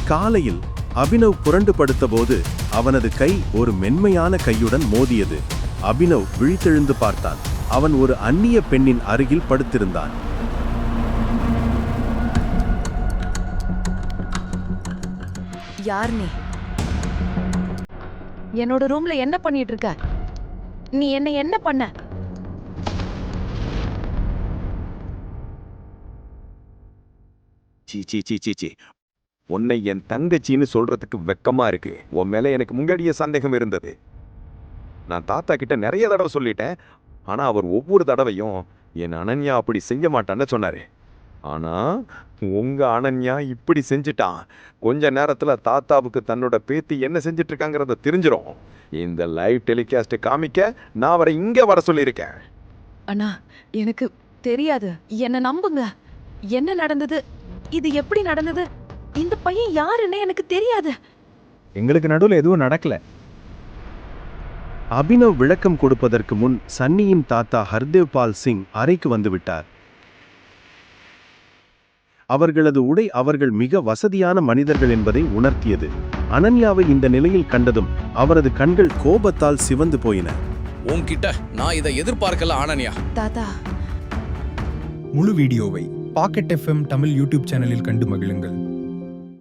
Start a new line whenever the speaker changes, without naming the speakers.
காலையில் அபினவ் புரண்டு படுத்தபோது அவனது கை ஒரு மென்மையான கையுடன் மோதியது. அபினவ் விழித்தெழுந்து பார்த்தான். அவன் ஒரு அந்நிய பெண்ணின் அருகில் படுத்திருந்தான்.
யார் நீ? என்னோட ரூம்ல என்ன பண்ணிட்டு இருக்க? நீ என்ன பண்ண?
சீ சீ சீ சீ சீ உன்னை என் தங்கச்சின்னு சொல்றதுக்கு வெக்கமா இருக்கு. உன் மேல எனக்கு முன்னாடியே சந்தேகம் இருந்தது. நான் தாத்தா கிட்ட நிறைய தடவை சொல்லிட்டேன். ஆனா அவர் ஒவ்வொரு தடவையும் என் அனன்யா அப்படி செய்ய மாட்டான்னு சொன்னாரு. ஆனா உங்க அனன்யா இப்படி செஞ்சுட்டான். கொஞ்ச நேரத்துல தாத்தாவுக்கு தன்னோட பேத்தி என்ன செஞ்சிட்டு இருக்காங்கிறத தெரிஞ்சிடும். இந்த லைவ் டெலிகாஸ்ட் காமிக்க நான் அவரை இங்க வர சொல்லியிருக்கேன்.
அண்ணா, எனக்கு தெரியாது. என்ன நம்புங்க. என்ன நடந்தது? இது எப்படி நடந்தது? இந்த பையன் யாருன்னு எனக்கு தெரியாது.
எங்களுக்கு நடுவில் எதுவும் நடக்கல.
அபினவ் விளக்கம் கொடுப்பதற்கு முன் சன்னியின் தாத்தா ஹர்தேவ் பால் சிங் அறைக்கு வந்துவிட்டார். அவர்களது உடை அவர்கள் மிக வசதியான மனிதர்கள் என்பதை உணர்த்தியது. அனன்யாவை இந்த நிலையில் கண்டதும் அவரது கண்கள் கோபத்தால் சிவந்து போயின.
உன்கிட்ட நான் இதை எதிர்பார்க்கல அனன்யா.
தாத்தா,
முழு வீடியோவை பாக்கெட் FM தமிழ் யூடியூப் சேனலில் கண்டு மகிழுங்கள்.